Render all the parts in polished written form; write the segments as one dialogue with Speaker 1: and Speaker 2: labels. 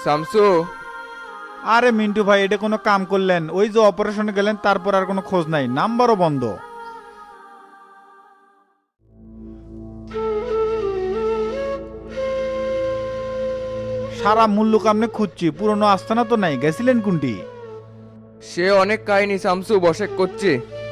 Speaker 1: শামসু।
Speaker 2: আরে মিন্টু ভাই, এটা কোনো কাম করলেন? ওই যে অপারেশনে গেলেন তারপর আর কোনো খোঁজ নাই, নাম্বারও বন্ধ। সারা মূল্য কামনে খুঁজছি, পুরনো আস্তানা তো নাই, গেছিলেন কোনটি?
Speaker 1: সে অনেক কাহিনী শামসু, বসে করছি।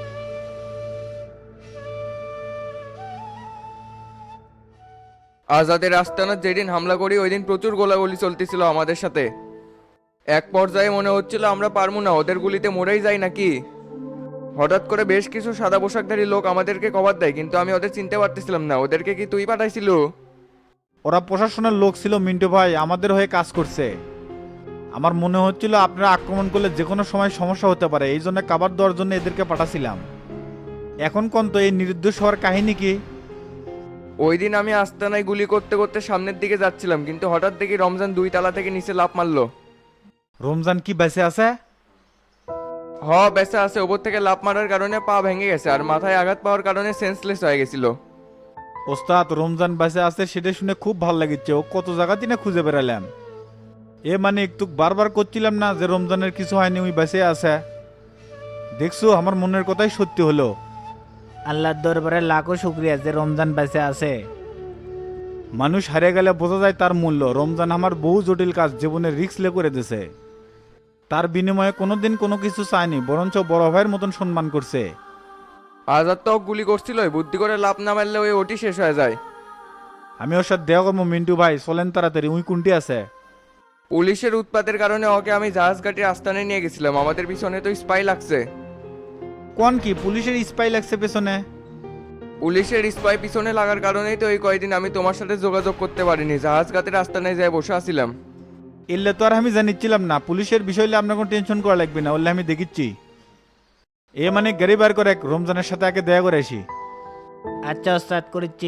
Speaker 1: আজাদের আস্তানার যেদিন হামলা করি ওই দিন প্রচুর গোলাগুলি চলতেছিল আমাদের সাথে। এক পর্যায়ে মনে হচ্ছিল আমরা পারবো না, ওদের গুলিতে মরেই যাই নাকি। হঠাৎ করে বেশ কিছু সাদা পোশাকধারী লোক আমাদেরকে কভার দেয়, কিন্তু আমি ওদের চিনতে পারতেছিলাম না। ওদেরকে কি তুই পাঠাইছিল?
Speaker 2: ওরা প্রশাসনের লোক ছিল মিন্টু ভাই, আমাদের হয়ে কাজ করছে। আমার মনে হচ্ছিল আপনারা আক্রমণ করলে যে কোনো সময় সমস্যা হতে পারে, এই জন্য কাবার দেওয়ার জন্য এদেরকে পাঠাছিলাম। এখন কোন তো এই নির্দোষ হওয়ার কাহিনী কি?
Speaker 1: ওই দিন আমি আস্তানায় গুলি করতে করতে সামনের দিকে যাচ্ছিলাম, কিন্তু হঠাৎ দেখি রমজান 2 তালা থেকে নিচে লাফ মারলো।
Speaker 2: রমজান কি বেঁচে আছে?
Speaker 1: বেঁচে আছে। ওপর থেকে লাফ মারার কারণে পা ভেঙে গেছে আর মাথায় আঘাত পাওয়ার কারণে সেন্সলেস হয়ে গেছিল।
Speaker 2: ওস্তাদ, রমজান বেঁচে আছে সেটা শুনে খুব ভালো লাগছে। ও কত জায়গাতেই না খুঁজে বেড়ালাম। এ মানে একটু বারবার করছিলাম না যে রমজানের কিছু হয়নি, ওই বেঁচে আছে। দেখছো, আমার মনের কথাই সত্যি হলো।
Speaker 3: আল্লাহর দরবারে লাখো শুক্রিয়া যে রমজান বেঁচে আছে।
Speaker 2: মানুষ হারিয়ে গেলে বোঝা যায় তার মূল্য। রমজান আমার বহু জটিল কাজ জীবনে রিস্ক লে করে দিছে। তার বিনিময়ে কোনোদিন কোনো কিছু চায়নি, বরঞ্চ বড় ভাইয়ের মতন সম্মান করছে।
Speaker 1: আজাদ তো গুলি করছিল, বুদ্ধি করে লাভ না মারলে ওই ওটি শেষ হয়ে যায়।
Speaker 2: আমি ওর সাথে দেওয়া করবো মিন্টু ভাই, চলেন তাড়াতাড়ি। উই কোনটি আছে?
Speaker 1: পুলিশের উৎপাতের কারণে ওকে আমি জাহাজ ঘাটির আস্তানে নিয়ে গেছিলাম। আমাদের পিছনে তো স্পাই লাগছে।
Speaker 2: কোন কি পুলিশের স্পাই লাগছে পেছনে?
Speaker 1: পুলিশের স্পাই পিছনে লাগার কারণেই তো এই কয়দিন আমি তোমার সাথে যোগাযোগ করতে পারিনি। জাহাজ ঘাটের আস্তানায় যাই বসে আছিলাম।
Speaker 2: এলে তো আর আমি জানিচ্ছিলাম না। পুলিশের বিষয় হলে আপনার কোনো টেনশন করা লাগবে না, ওলে আমি দেখিচ্ছি। এ মানে গাড়ি বার করে রমজানের সাথে আগে দেয়া করে আসি।
Speaker 3: আচ্ছা ওস্তাদ, করেছি।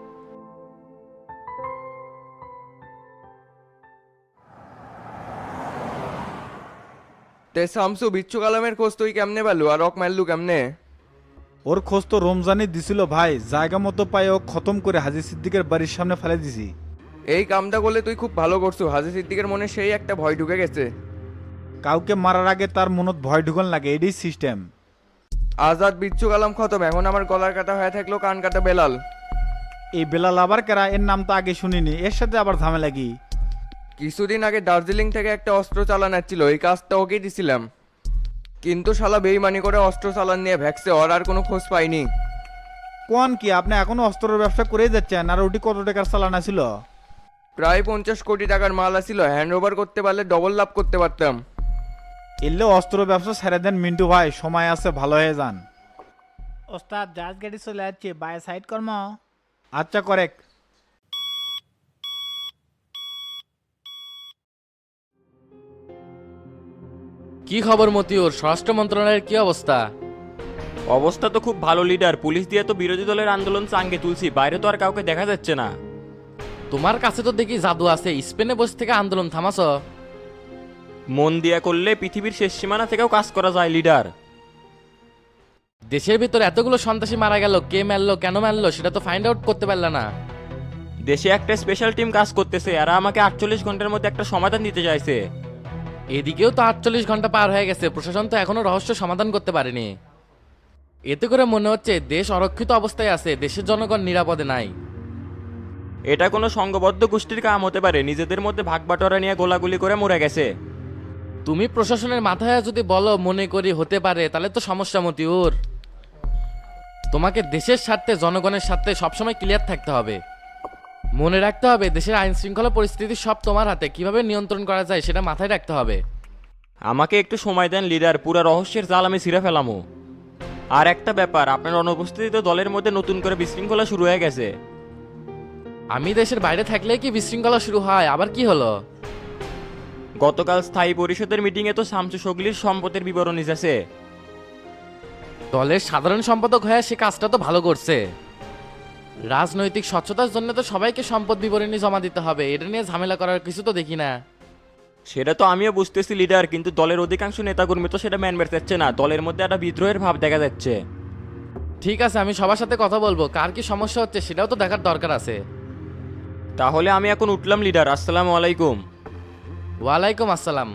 Speaker 1: তে শামসু, বিচ্ছু কালামের খোঁজ তুই কেমনে পেলু আর রক মারলু কেমনে?
Speaker 2: ওর খোঁজ তো রমজানই দিছিল ভাই। জায়গা মতো পাই ও খতম করে হাজি সিদ্দিকের বাড়ির সামনে ফেলে দিছি।
Speaker 1: এই কামটা করলে তুই খুব ভালো করছো। হাজি সিদ্দিকের মনে সেই একটা ভয় ঢুকে গেছে।
Speaker 2: কাউকে মারার আগে তার মনত ভয় ঢুকন লাগে, এটাই সিস্টেম।
Speaker 1: আজাদ বিচ্ছু কালাম খতম, এখন আমার গলার কাটা হয়ে থাকলো কান কাটা বেলাল।
Speaker 2: এই বেলাল আবার কেরা? এর নাম তো আগে শুনিনি, এর সাথে আবার ঝামেলা কি?
Speaker 1: কিছুদিন আগে দার্জিলিং থেকে একটা অস্ত্র চালান ছিল, এই কাজটা ওকেই দিছিলাম। কিন্তু শালা বেইমানি করে অস্ত্র চালান নিয়ে ভ্যাক্সে, ওর আর কোনো খোঁজ পাইনি।
Speaker 2: কোন কি আপনি এখনো অস্ত্রের ব্যবসা করেই যাচ্ছেন? আর ওটি কত টাকার চালানা ছিল?
Speaker 1: প্রায় 50 কোটি টাকার মাল আছিল। হ্যান্ড ওভার করতে পারলে ডবল লাভ করতে পারতাম।
Speaker 2: এলে অস্ত্র ব্যবসা ছেড়ে দেন মিন্টু ভাই, সময় আছে, ভালো হয়ে যান।
Speaker 3: ওস্তাদ, জাহাজ গাড়ি চলে যাচ্ছে, বাই সাইড কর্ম।
Speaker 2: আচ্ছা করেক।
Speaker 4: কি খবর মতিউর, স্বরাষ্ট্র মন্ত্রণালয়ের কি অবস্থা?
Speaker 5: অবস্থা তো খুব ভালো লিডার। পুলিশ দিয়ে তো বিরোধী দলের আন্দোলন চাঙ্গে তুলছি, বাইরে তো আর কাউকে দেখা যাচ্ছে না।
Speaker 4: তোমার কাছে তো দেখি জাদু আছে, স্পেনে বসে থেকে আন্দোলন থামাছ।
Speaker 5: মন দিয়া করলে পৃথিবীর শেষ সীমানা থেকেও কাজ করা যায় লিডার।
Speaker 4: দেশের ভিতর এতগুলো সন্ত্রাসী মারা গেল, কে মারলো কেন মারলো সেটা তো ফাইন্ড আউট করতে পারলে না।
Speaker 5: দেশে একটা স্পেশাল টিম কাজ করতেছে, আর আমাকে 48 ঘন্টার মধ্যে একটা সমাধান দিতে চাইছে।
Speaker 4: এদিকেও তো 48 ঘন্টা পার হয়ে গেছে, প্রশাসন তো এখনো রহস্য সমাধান করতে পারেনি। এতে করে মনে হচ্ছে দেশ অরক্ষিত অবস্থায় আছে, দেশের জনগণ নিরাপদে নাই।
Speaker 5: এটা কোনো সংঘবদ্ধ গোষ্ঠীর কাম হতে পারে, নিজেদের মধ্যে ভাগ বাটোয়ারা নিয়ে গোলাগুলি করে মরে গেছে।
Speaker 4: তুমি প্রশাসনের মাথায় যদি বলো মনে করি হতে পারে, তাহলে তো সমস্যা মতিউর। তোমাকে দেশের স্বার্থে জনগণের স্বার্থে সবসময় ক্লিয়ার থাকতে হবে। মনে রাখতে হবে দেশের আইন শৃঙ্খলা পরিস্থিতি সব তোমার হাতে, কিভাবে নিয়ন্ত্রণ করা যায় সেটা মাথায় রাখতে হবে।
Speaker 5: আমাকে একটু সময় দেন লিডার, পুরা রহস্যের জাল আমি ছিঁড়ে ফেলামো। আর একটা ব্যাপার, আপনার অনুপস্থিতিতে দলের মধ্যে নতুন করে বিশৃঙ্খলা শুরু হয়ে গেছে।
Speaker 4: আমি দেশের বাইরে থাকলে কি বিশৃঙ্খলা শুরু হয়? আবার কি হলো?
Speaker 5: গতকাল স্থায়ী পরিষদের মিটিংয়ে তো শামসু সগলির সম্পদের বিবরণী আছে।
Speaker 4: দলের সাধারণ সম্পাদক হয়ে সে কাজটা তো ভালো করছে। রাজনৈতিক স্বচ্ছতার জন্য তো সবাইকে সম্পদ বিবরণী জমা দিতে হবে, এটা নিয়ে ঝামেলা করার কিছু তো দেখি না।
Speaker 5: সেটা তো আমিও বুঝতেছি লিডার, কিন্তু দলের অধিকাংশ নেতাকর্মী তো সেটা মেনে যাচ্ছে না। দলের মধ্যে একটা বিদ্রোহের ভাব দেখা যাচ্ছে।
Speaker 4: ঠিক আছে, আমি সবার সাথে কথা বলবো, কার কি সমস্যা হচ্ছে সেটাও তো দেখার দরকার আছে।
Speaker 5: তাহলে আমি এখন উঠলাম লিডার, আসসালামু আলাইকুম।
Speaker 4: ওয়ালাইকুম আসসালাম।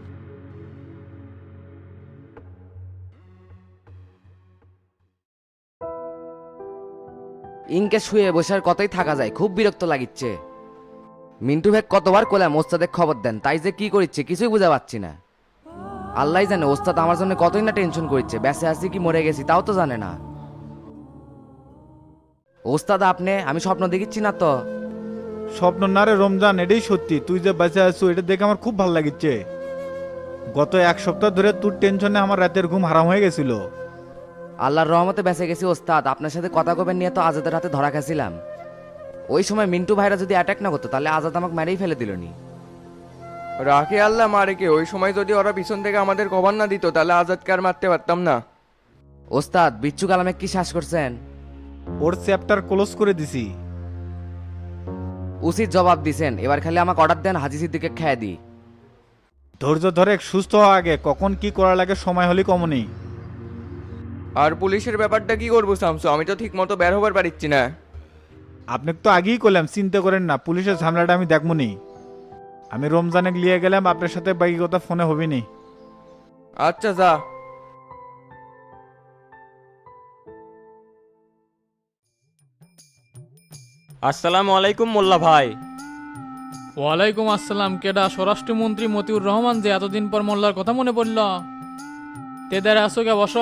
Speaker 6: ইনকে শুয়ে বসার কথাই থাকা যায়, খুব বিরক্ত লাগিচ্ছে। মিন্টু ভাই কতবার কোলাম ওস্তাদের খবর দেন, তাই যে কি করিচ্ছে কিছুই বুঝা পাচ্ছি না। আল্লাহ জানে ওস্তাদ আমার জন্য কতই না টেনশন করছে, বেঁচে আছি কি মরে গেছি তাও তো জানে না। ওস্তাদ আপনি, আমি স্বপ্ন দেখিচ্ছি না তো?
Speaker 2: স্বপ্ন না রে রমজান, এটাই সত্যি। তুই যে বেঁচে আছো এটা দেখে আমার খুব ভালো লাগিচ্ছে। গত এক সপ্তাহ ধরে তোর টেনশনে আমার রাতের ঘুম হারাম হয়ে গেছিল।
Speaker 6: আল্লাহর রহমতে বেঁচে গেছি ওস্তাদ। আপনার সাথে কথা কবেন নিয়ে তো আজাদের হাতে ধরা খাইছিলাম। ওই সময় মিন্টু ভাইরা যদি অ্যাটাক না করতো তাহলে আজাদ আমাকে মেরেই ফেলে দিল নি।
Speaker 1: রাখে আল্লাহ মারেকে, ওই সময় যদি ওরা পিছন থেকে আমাদের কভার না দিত তাহলে আজাদকে আর মারতে পারতাম না।
Speaker 6: ওস্তাদ বিচ্ছু কালামে কি শ্বাস করছেন?
Speaker 2: ওর চ্যাপ্টার ক্লোজ করে দিছি।
Speaker 6: উচিত জবাব দিছেন, এবার খালি আমাকে অর্ডার দেন, হাজি সিদ্দিকে খেয়ে দিই।
Speaker 2: ধৈর্য ধরে সুস্থ হওয়া আগে, কখন কি করা লাগে সময় হলে কমনি।
Speaker 1: আর পুলিশের ব্যাপারটা কি করবো শামসু, আমি তো ঠিক মতো বের হবার পারছি না।
Speaker 2: আপনি তো আগেই করলাম, চিন্তা করেন না, পুলিশের ঝামেলাটা আমি দেখবনি। আমি রমজানে লিয়ে গেলাম, আপনার সাথে বাকি কথা ফোনে হবিনি।
Speaker 1: আচ্ছা যা।
Speaker 5: আসসালামু আলাইকুম মোল্লা ভাই।
Speaker 7: ওয়ালাইকুম আসসালাম। কেডা স্বরাষ্ট্রমন্ত্রী মতিউর রহমান যে এতদিন পর মোল্লার কথা মনে পড়ল? তেদারে আসো গে, বসো।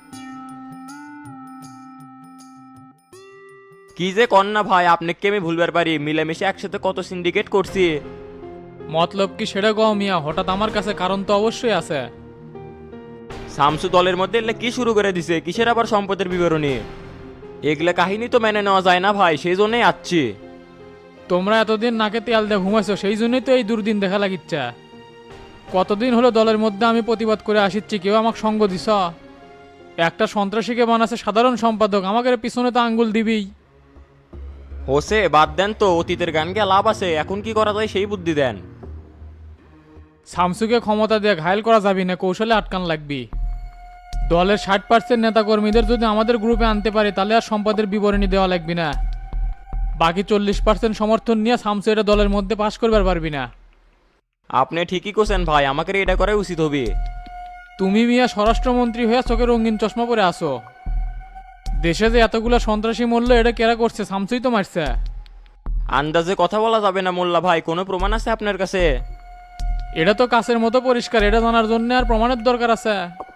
Speaker 5: কি যে কন্যা ভাই, আপনাকে আমি ভুলবার পারি? মিলেমিশে একসাথে কত সিন্ডিকেট করছি।
Speaker 7: মতলব কি সেটা কও মিয়া, হঠাৎ আমার কাছে কারণ তো অবশ্যই আছে।
Speaker 5: শামসু দলের মধ্যে এলে কি শুরু করে দিছে? কিসের আবার সম্পদের বিবরণী? এগুলা কাহিনী তো মেনে নেওয়া যায় না ভাই, সেই জন্যই আসছি।
Speaker 7: তোমরা এতদিন নাকে তেল দিয়ে ঘুমাইছো, সেই জন্যই তো এই দুর্দিন দেখা লাগিচ্ছে। কতদিন হলো দলের মধ্যে আমি প্রতিবাদ করে আসিচ্ছি, কেউ আমাকে সঙ্গ দিছ? একটা সন্ত্রাসীকে বানাচ্ছে সাধারণ সম্পাদক, আমাকে পিছনে তো আঙ্গুল দিবি।
Speaker 5: হোসে বাদ দেন তো, অতীতের গান গিয়ে লাভ আছে, এখন কি করা যায় সেই বুদ্ধি দেন।
Speaker 7: শামসুকে ক্ষমতা দিয়ে ঘায়ল করা যাবি না, কৌশলে আটকান লাগবি। দলের 60% নেতাকর্মীদের যদি আমাদের গ্রুপে আনতে পারে তাহলে আর সম্পদের বিবরণী দেওয়া লাগবে না। বাকি 40% সমর্থন নিয়ে শামসু এটা দলের মধ্যে পাশ করবার পারবি না।
Speaker 5: আপনি ঠিকই কোছেন ভাই, আমাকে এটা করাই উচিত হবে।
Speaker 7: তুমি মিয়া স্বরাষ্ট্রমন্ত্রী হয়ে চোখে রঙিন চশমা পরে আসো। দেশে যে এতগুলা সন্ত্রাসী মূল্য এটা কেরা করছে? শামসুই তো মারছে।
Speaker 5: আন্দাজে কথা বলা যাবে না মোল্লা ভাই, কোনো প্রমাণ আছে আপনার কাছে?
Speaker 7: এটা তো কাছের মতো পরিষ্কার, এটা জানার জন্য আর প্রমাণের দরকার আছে?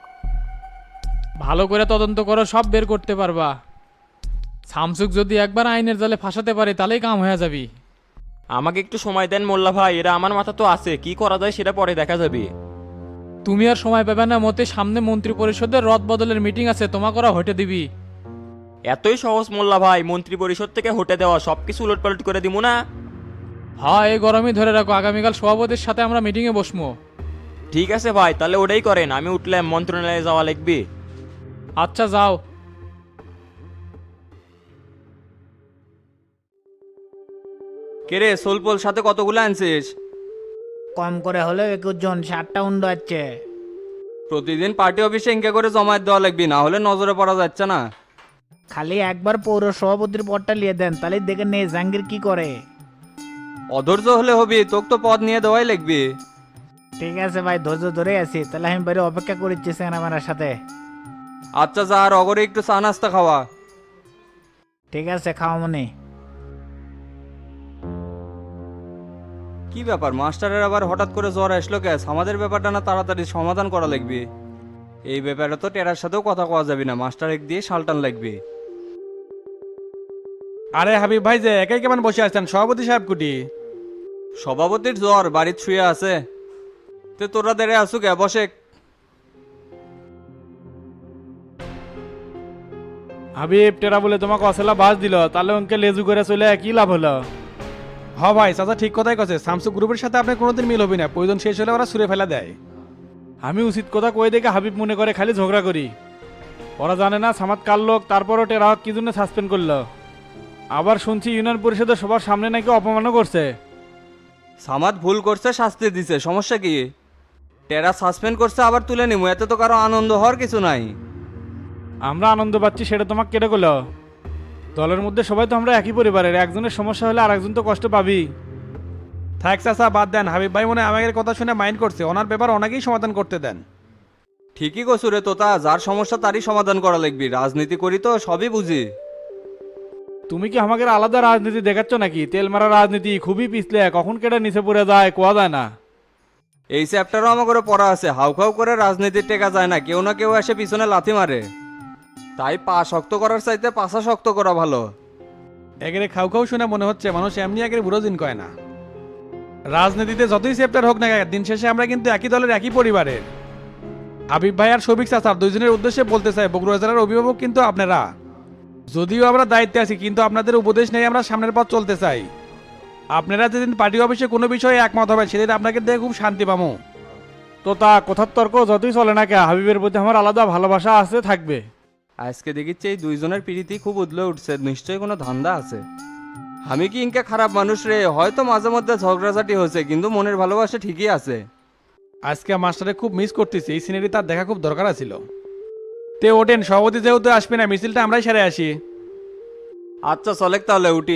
Speaker 7: ভালো করে তদন্ত করো, সব বের করতে পারবা। শামসুক যদি একবার আইনের জালে ফাঁসাতে পারে তাহলেই কাম হয়ে যাবি।
Speaker 5: আমাকে একটু সময় দেন মোল্লা ভাই, এরা আমার মাথা তো আছে, কি করা যায় সেটা পরে দেখা যাবে।
Speaker 7: তুমি আর সময় পাবে না মতে, সামনে মন্ত্রী পরিষদের রদ বদলের মিটিং আছে, তোমাকে ওরা হটে দিবি।
Speaker 5: এতই সহজ মোল্লা ভাই? মন্ত্রী পরিষদ থেকে হটে দেওয়া, সবকিছু উলটপালট করে দিব না?
Speaker 7: হ্যাঁ, এই গরমই ধরে রাখো, আগামীকাল সভাপতির সাথে আমরা মিটিংয়ে বসবো।
Speaker 5: ঠিক আছে ভাই, তাহলে ওটাই করেন, আমি উঠলাম, মন্ত্রণালয়ে যাওয়া লিখবি।
Speaker 7: আচ্ছা যাও।
Speaker 8: কেরে সোলপোল সাথে কতগুলো আনছিস?
Speaker 3: কম করে হলেও 21 জন, 7টা উন্ড আছে।
Speaker 8: প্রতিদিন পার্টি অফিসে ইনকে করে জমায়েত দেওয়া লাগবি, না হলে নজরে পড়া যাচ্ছে না।
Speaker 3: খালি একবার পৌর সভাপতির পদটা নিয়ে দেন, তাহলে দেখে নে জাহাঙ্গীর কি করে।
Speaker 8: অধৈর্য হলে হবি, তোকে তো পদ নিয়ে দেওয়াই লাগবি।
Speaker 3: ঠিক আছে ভাই, ধৈর্য ধরে আছি, তাহলে আমি বাইরে অপেক্ষা করিচ্ছি আমার সাথে।
Speaker 8: আচ্ছা যা, আর অগরে একটু চা নাস্তা খাওয়া।
Speaker 3: ঠিক আছে, খাওয়া মনে।
Speaker 8: কি ব্যাপার, মাস্টারের আবার হঠাৎ করে জ্বর আসলো ক্যাস? আমাদের ব্যাপারটা না তাড়াতাড়ি সমাধান করা লাগবে। এই ব্যাপারে তো টেরার সাথেও কথা কওয়া যাবে না, মাস্টার এক দিয়ে সালটান লাগবে।
Speaker 9: আরে হাবিব ভাই যে একাই কেমন বসে আছেন? সভাপতি সাহেব কুটি?
Speaker 8: সভাপতির জ্বর, বাড়ির শুয়ে আছে। তে তোরা দেরে আসু কে, বসে।
Speaker 9: হাবিব টেরা বলে তোমাকে অসেলা বাস দিল, তাহলে ওকে লেজু করে চলে কি লাভ হলো? হ ভাই, চাচা ঠিক কথাই কছে। স্যামসু গ্রুপের সাথে আপনার কোনোদিন মিল হবে না, প্রয়োজন শেষ হলে ওরা সুরে ফেলা দেয়। আমি উচিত কথা কই দেখে হাবিব মনে করে খালি ঝগড়া করি। ওরা জানে না সামাদ কার লোক, তারপরও টেরা কি জন্য সাসপেন্ড করলো। আবার শুনছি ইউনিয়ন পরিষদের সবার সামনে নাকি অপমানও করছে।
Speaker 8: সামাদ ভুল করছে, শাস্তি দিছে, সমস্যা কি? টেরা সাসপেন্ড করছে আবার তুলে নিমু, এতে তো কারো আনন্দ হওয়ার কিছু নাই।
Speaker 9: আমরা আনন্দ পাচ্ছি সেটা তোমাকে কেটে করলো? দলের মধ্যে সবাই তো আমরা একই পরিবারের, একজনের সমস্যা হলে আর একজন তো কষ্ট পাবি। থাক চাচা বাদ দেন, হাবিব ভাই মনে হয় আমাদের কথা শুনে মাইন্ড করছে, ওনার ব্যাপার ওনাকেই সমাধান করতে দেন।
Speaker 8: ঠিকই কছু রে তোতা, যার সমস্যা তারই সমাধান করা লাগবি, রাজনীতি করি তো সবই বুঝি।
Speaker 9: তুমি কি আমাকে আলাদা রাজনীতি দেখাচ্ছ নাকি? তেল মারা রাজনীতি খুবই পিছলে, কখন কেটে নিচে পড়ে যায় কোয়া যায় না।
Speaker 8: এই চ্যাপ্টারও আমার করে পড়া আছে, হাউখাউ করে রাজনীতির টেকা যায় না, কেউ না কেউ এসে পিছনে লাথি মারে। তাই পা শক্ত করার চাইতে পাছা শক্ত করা ভালো।
Speaker 9: একেরে খাও খাও শুনে মনে হচ্ছে মানুষ এমনি একের বুড়ো দিন কয় না। রাজনীতিতে যতই চ্যাপ্টার হোক না কেন, দিন শেষে আমরা কিন্তু একই দলের একই পরিবারের। হাবিব ভাই আর শফিক চাচার দুইজনের উদ্দেশ্যে বলতে চাই, বগুড়া জেলার অভিভাবক কিন্তু আপনারা। যদিও আমরা দায়িত্বে আছি, কিন্তু আপনাদের উপদেশ নেই আমরা সামনের পথ চলতে চাই। আপনারা যেদিন পার্টি অফিসে কোনো বিষয়ে একমত হবেন সেদিন আপনাকে দেখে খুব শান্তি পাবো। তো তা কথার তর্ক যতই চলে না কে, হাবিবের প্রতি আমার আলাদা ভালোবাসা আছে, থাকবে।
Speaker 8: আজকে দেখিচ্ছে এই দুইজনের প্রীতি খুব উদলে উঠছে, নিশ্চয়ই কোনো ধান্দা আছে। আমি কি ইনকে খারাপ মানুষ রে? হয়তো মাঝে মধ্যে ঝগড়াঝাটি হয়েছে, কিন্তু মনের ভালোবাসা ঠিকই আছে।
Speaker 9: আজকে মাস্টারে খুব মিস করতেছি, এই সিনারি তার দেখা খুব দরকার ছিল। তে ওঠেন, সভাপতি যেহেতু আসবে না, মিছিলটা আমরাই সেরে আসি।
Speaker 8: আচ্ছা চলেক তাহলে উঠি।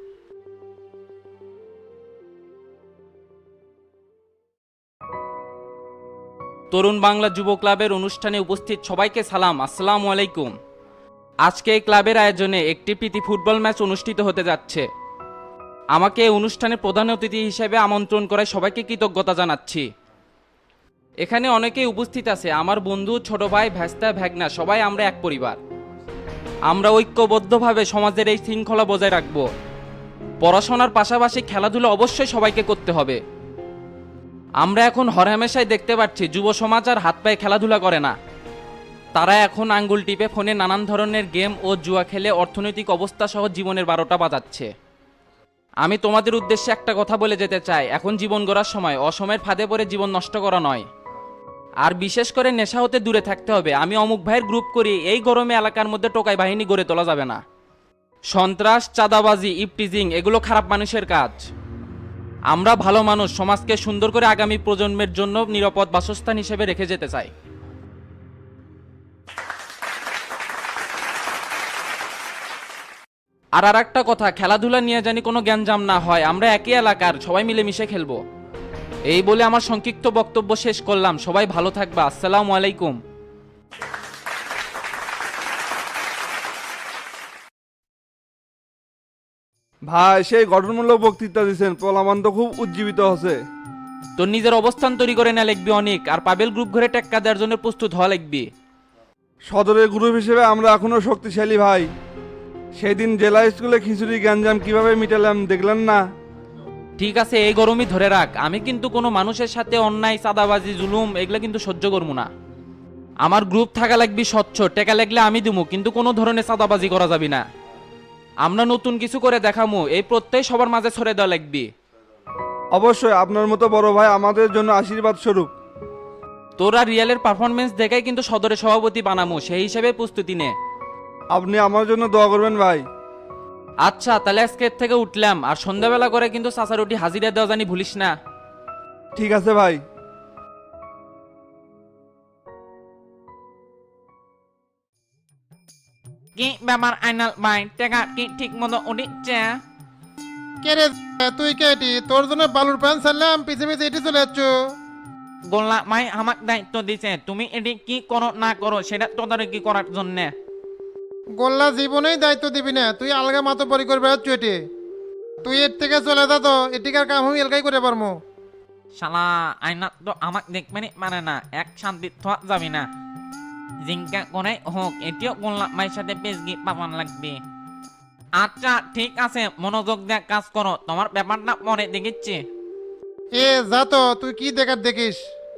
Speaker 10: তরুণ বাংলা যুব ক্লাবের অনুষ্ঠানে উপস্থিত সবাইকে সালাম, আসসালামু আলাইকুম। আজকে এই ক্লাবের আয়োজনে একটি প্রীতি ফুটবল ম্যাচ অনুষ্ঠিত হতে যাচ্ছে। আমাকে এই অনুষ্ঠানে প্রধান অতিথি হিসেবে আমন্ত্রণ করায় সবাইকে কৃতজ্ঞতা জানাচ্ছি। এখানে অনেকেই উপস্থিত আছে, আমার বন্ধু, ছোট ভাই, ভ্যাস্তা, ভ্যাগনা, সবাই আমরা এক পরিবার। আমরা ঐক্যবদ্ধভাবে সমাজের এই শৃঙ্খলা বজায় রাখব। পড়াশোনার পাশাপাশি খেলাধুলা অবশ্যই সবাইকে করতে হবে। আমরা এখন হরহামেশাই দেখতে পাচ্ছি যুব সমাজ আর হাত পায়ে খেলাধুলা করে না, তারা এখন আঙ্গুল টিপে ফোনে নানান ধরনের গেম ও জুয়া খেলে অর্থনৈতিক অবস্থা সহ জীবনের 12টা বাজাচ্ছে। আমি তোমাদের উদ্দেশ্যে একটা কথা বলে যেতে চাই, এখন জীবন গড়ার সময়, অসময়ের ফাঁদে পড়ে জীবন নষ্ট করা নয়। আর বিশেষ করে নেশা হতে দূরে থাকতে হবে। আমি অমুক ভাইয়ের গ্রুপ করি, এই গরমে এলাকার মধ্যে টোকাই বাহিনী গড়ে তোলা যাবে না। সন্ত্রাস, চাঁদাবাজি, ইপটিজিং এগুলো খারাপ মানুষের কাজ। আমরা ভালো মানুষ সমাজকে সুন্দর করে আগামী প্রজন্মের জন্য নিরাপদ বাসস্থান হিসেবে রেখে যেতে চাই। আর একটা কথা, খেলাধুলা নিয়ে জানি কোনো গ্যাঞ্জাম না হয়, আমরা একই এলাকার, সবাই মিলেমিশে খেলবো। এই বলে আমার সংক্ষিপ্ত বক্তব্য শেষ করলাম। সবাই ভালো থাকবা, আসসালামু আলাইকুম।
Speaker 11: ভাই সেই গঠনমূলক বক্তৃতা দিচ্ছেন, পোলামান তো খুব উজ্জীবিত হচ্ছে।
Speaker 10: তোর নিজের অবস্থান তৈরি করে না লিখবি অনেক, আর পাবেল গ্রুপ ঘরে টেক্কা দেওয়ার জন্য প্রস্তুত হওয়া লিখবি।
Speaker 11: সদরের গ্রুপ হিসেবে আমরা এখনো শক্তিশালী ভাই। সেদিন জেলা স্কুলে খিচুড়ি গ্যাঞ্জাম কিভাবে মিটালাম দেখলেন না?
Speaker 10: ঠিক আছে, এই গরমই ধরে রাখ। আমি কিন্তু কোনো মানুষের সাথে অন্যায়, চাঁদাবাজি, জুলুম এগুলো কিন্তু সহ্য করবো না। আমার গ্রুপ থাকা লাগবি স্বচ্ছ, টেকা লাগলে আমি দিমু, কিন্তু কোনো ধরনের চাঁদাবাজি করা যাবি না। আমরা নতুন কিছু করে দেখামু, এই প্রত্যয় সবার মাঝে ছড়ে দেওয়া লাগবি।
Speaker 11: অবশ্যই, আপনার মতো বড় ভাই আমাদের জন্য আশীর্বাদ স্বরূপ।
Speaker 10: তোরা রিয়ালের পারফরমেন্স দেখাই কিন্তু সদরের সভাপতি বানামু, সেই হিসেবে প্রস্তুতি নে।
Speaker 11: আপনি আমার জন্য দোয়া করবেন ভাই।
Speaker 10: আচ্ছা তাহলে আজকে এর থেকে উঠলাম, আর সন্ধ্যাবেলা করে কিন্তু চাচা রুটি হাজিরা দেওয়া জানি ভুলিস না।
Speaker 11: ঠিক আছে ভাই।
Speaker 10: কি ব্যাপার আইনাল ভাই, টাকা কি ঠিক মতো উঠিচ্ছে?
Speaker 12: কে রে তুই কে এটি? তোর জন্য বালুর প্যান ছাড়লাম, পিছে পিছে এটি চলে যাচ্ছ।
Speaker 10: গোল্লা ভাই আমাকে দায়িত্ব দিছে, তুমি এটি কি করো না করো সেটা তদারকি করার জন্যে।
Speaker 12: গোল্লা জীবনেই দায়িত্ব দিবি না, তুই আলগা মাতো পরি করে বেড়াচ্ছ এটি। তুই এর থেকে চলে যা তো, এটিকার কাম আমি এলাকাই করে পারবো।
Speaker 10: শালা আইনা তো আমাকে দেখবে মানে না, এক শান্তি থাকা যাবি না। জিঙ্কা করে হোক এটিও গোল্লা ভাইয়ের সাথে পেজগি পাবান লাগবে। আচ্ছা ঠিক আছে, মনোযোগ দিয়ে কাজ করো, তোমার ব্যাপারটা পরে দেখিচ্ছি।
Speaker 12: এ যা তো, তুই কি দেখার দেখিস?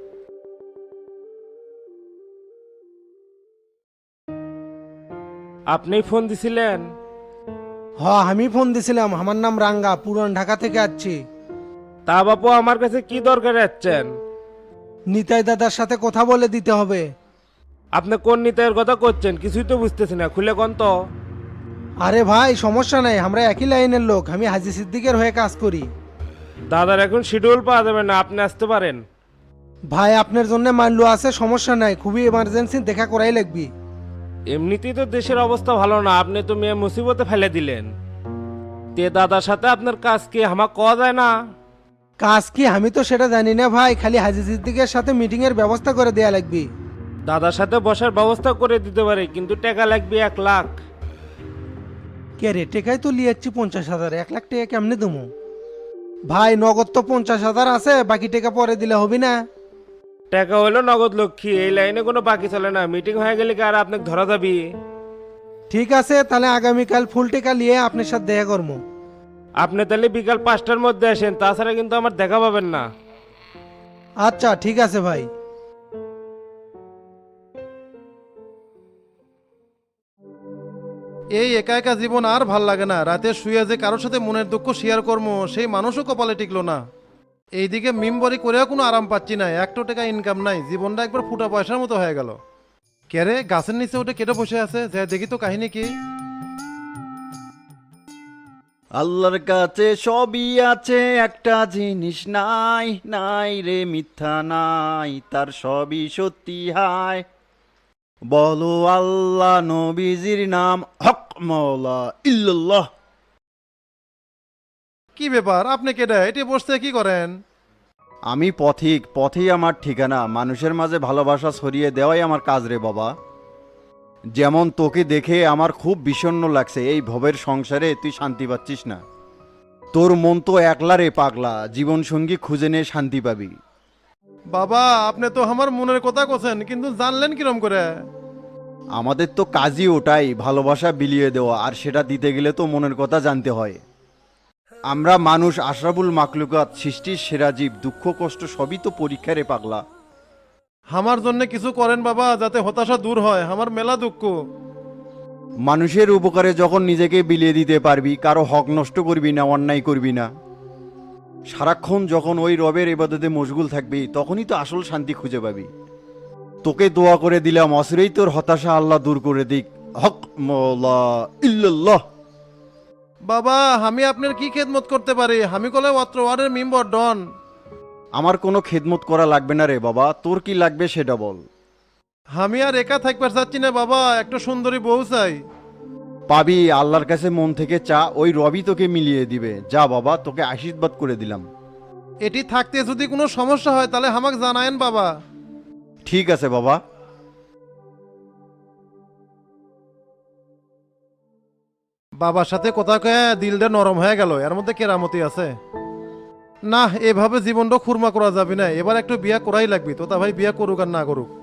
Speaker 9: আপনি ফোন দিছিলেন?
Speaker 12: হ আমি ফোন দিছিলাম, আমার নাম রাঙ্গা, পুরান ঢাকা থেকে আসছি।
Speaker 9: তা বাপু আমার কাছে কি দরকার যাচ্ছেন?
Speaker 12: নিতাই দাদার সাথে কথা বলে দিতে হবে।
Speaker 9: আপনি কোন নিতাইয়ের কথা করছেন কিছুই তো বুঝতেছি না, খুলে কোন তো।
Speaker 12: আরে ভাই সমস্যা নাই, আমরা একই লাইনের লোক, আমি হাজি সিদ্দিকের হয়ে কাজ করি।
Speaker 9: দাদার এখন শিডিউল পাওয়া যাবে না, আপনি আসতে পারেন।
Speaker 12: ভাই আপনার জন্য মাল্লু আছে, সমস্যা নাই, খুবই এমার্জেন্সি, দেখা করাই লাগবি।
Speaker 9: এমনিতেই তো দেশের অবস্থা ভালো না, আপনি তো মেয়ে মুসিবতে ফেলে দিলেন। তে দাদার সাথে আপনার কাজ কি আমাকে কওয়া যায় না?
Speaker 13: কাজ কি আমি তো সেটা জানি না ভাই, খালি হাজি সিদ্দিকের সাথে মিটিং এর ব্যবস্থা করে দেয়া লাগবে।
Speaker 9: দাদার সাথে বসার ব্যবস্থা করে দিতে পারে, কিন্তু টাকা লাগবে 1 লাখ।
Speaker 13: কে রে, টেকাই তো লিয়াচ্ছি 50,000, 1 লাখ টাকা কেমনে দেবো? ভাই নগদ তো 50,000 আছে, বাকি টাকা পরে দিলে হবে না?
Speaker 9: টাকা হলো নগদ লক্ষ্মী, এই লাইনে কোনো বাকি চলে না। মিটিং হয়ে গেলে কি আর আপনাকে ধরা যাবি?
Speaker 13: ঠিক আছে, তাহলে আগামীকাল ফুল টাকা নিয়ে আপনার সাথে দেখা করবো।
Speaker 9: আপনি তাহলে বিকাল 5টার মধ্যে আসেন, তাছাড়া কিন্তু আমার দেখা পাবেন না।
Speaker 13: আচ্ছা ঠিক আছে ভাই।
Speaker 12: এই একা একা জীবন আর ভাল লাগে না। রাতে শুয়ে যে কারোর সাথে মনের দুঃখ শেয়ার করবো সেই মানুষও কপালে টিকলো না। এইদিকে মিমবরি করেও কোনো আরাম পাচ্ছি না, 1 টাকা ইনকাম নাই, জীবনটা একবার ফুটা পয়সার মতো হয়ে গেল। কেরে গাছের নিচে উঠে কেটে বসে আছে, যে দেখি তো কাহিনী কি।
Speaker 14: আল্লাহর কাছে সবই আছে, একটা জিনিস নাই, নাই রে মিথ্যা নাই, তার সবই সত্যি হায়। বলো আল্লাহ, নবীজির নাম হক মৌলা ইল্লাল্লাহ।
Speaker 12: কি ব্যাপার, আপনি কেডা, এটি বসতে কি করেন?
Speaker 14: আমি পথিক, পথেই আমার ঠিকানা। মানুষের মাঝে ভালোবাসা ছড়িয়ে দেওয়াই আমার কাজ রে বাবা। যেমন তোকে দেখে আমার খুব বিষণ্ণ লাগছে, এই ভবের সংসারে তুই শান্তি পাচ্ছিস না। তোর মন তো একলা রে পাগলা, জীবন সঙ্গী খুঁজে নিয়ে শান্তি পাবি।
Speaker 12: বাবা আপনি তো আমার মনের কথা কোছেন, কিন্তু জানলেন কিরম করে?
Speaker 14: আমাদের তো কাজই ওটাই, ভালোবাসা বিলিয়ে দেওয়া, আর সেটা দিতে গেলে তো মনের কথা জানতে হয়। আমরা মানুষ আশরাফুল মাকলুকাত, সৃষ্টির সেরা জীব, দুঃখ কষ্ট সবই তো পরীক্ষা রে পাগলা।
Speaker 12: আমার জন্য কিছু করেন বাবা, যাতে হতাশা দূর হয়, আমার মেলা দুঃখ।
Speaker 14: মানুষের উপকারে যখন নিজেকে বিলিয়ে দিতে পারবি, কারো হক নষ্ট করবি না, অন্যায় করবি না, সারাক্ষণ যখন ওই রবের ইবাদতে মশগুল থাকবি, তখনই তো আসল শান্তি খুঁজে পাবি। তোকে দোয়া করে দিলাম, অসিরেই তোর হতাশা আল্লাহ দূর করে দিক। হক মৌলা ইল্লাল্লাহ।
Speaker 12: বাবা আমি আপনার কি খেদমত করতে পারি? আমি কলে অত্র ওয়ার্ডের মেম্বার ডন।
Speaker 14: আমার কোনো খেদমত করা লাগবে না রে বাবা, তোর কি লাগবে সেটা বল।
Speaker 12: আমি আর একা থাকবার চাচ্ছি না বাবা, একটা সুন্দরী বউ চাই।
Speaker 14: পাবি, আল্লাহর কাছে মন থেকে চা, ওই রবি তোকে মিলিয়ে দিবে। যা বাবা, তোকে আশীর্বাদ করে দিলাম।
Speaker 12: এটি থাকতে যদি কোনো সমস্যা হয় তাহলে আমাকে জানায়েন বাবা।
Speaker 14: ঠিক আছে বাবা।
Speaker 12: বাবার সাথে কথা কয়ে দিলটা নরম হয়ে গেল, এর মধ্যে কেরামতি আছে। না এভাবে জীবনটা খুরমা করা যাবে না, এবার একটু বিয়া করাই লাগবে। তো তা ভাই বিয়া করুক আর না করুক।